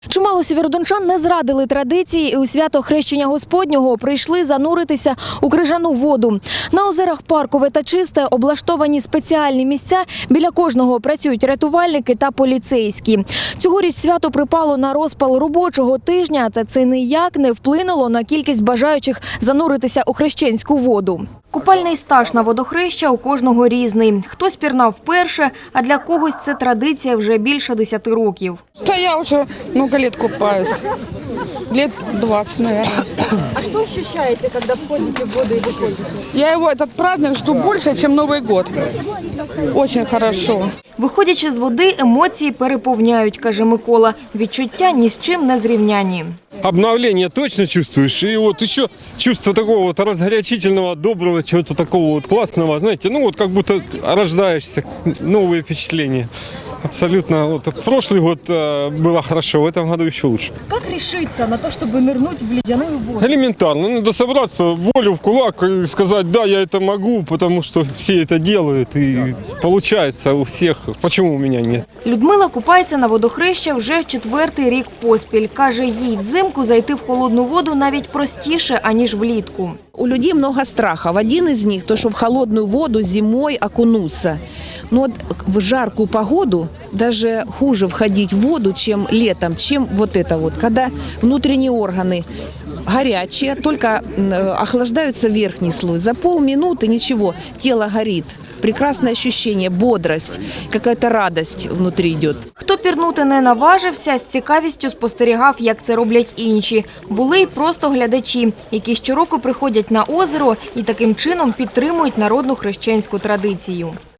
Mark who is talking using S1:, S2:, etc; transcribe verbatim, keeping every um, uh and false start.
S1: Чимало сєвєродончан не зрадили традиції і у свято Хрещення Господнього прийшли зануритися у крижану воду. На озерах Паркове та Чисте облаштовані спеціальні місця, біля кожного працюють рятувальники та поліцейські. Цьогоріч свято припало на розпал робочого тижня, та це ніяк не вплинуло на кількість бажаючих зануритися у хрещенську воду. Купальний стаж на водохреща у кожного різний. Хтось пірнав вперше, а для когось це традиція вже більше десяти років.
S2: Да я уже много лет купаюсь. Лет двадцать, наверное.
S3: А что ощущаете, когда входите в воду и выходите?
S2: Я его, этот праздник, жду больше, чем Новый год. Очень хорошо.
S1: Виходячи з води, емоції переповняють, каже Микола. Відчуття ні з чим не зрівняні.
S4: Обновление точно чувствуешь, и вот еще чувство такого вот разгорячительного, доброго, чего-то такого вот классного, знаете, ну вот как будто рождаешься, новые впечатления. Абсолютно. Вот в прошлый год э, было хорошо, в этом году еще лучше.
S3: Как решиться на то, чтобы нырнуть в ледяную воду?
S4: Элементарно. Надо собраться, волю в кулак и сказать, да, я это могу, потому что все это делают, и получается у всех. Почему у меня нет?
S1: Людмила купається на водохреща вже в четвертий рік поспіль. Каже, їй взимку зайти в холодну воду навіть простіше, аніж влітку.
S5: У людей много страхов. Один из них, то, что в холодную воду зимой окунуться. Но вот в жаркую погоду даже хуже входить в воду, чем летом, чем вот это вот. Когда внутренние органы горячие, только охлаждается верхний слой. За полминуты ничего, тело горит. Прекрасное ощущение, бодрость, какая-то радость внутри идет.
S1: Хто пірнути не наважився, з цікавістю спостерігав, як це роблять інші. Були й просто глядачі, які щороку приходять на озеро і таким чином підтримують народну хрещенську традицію.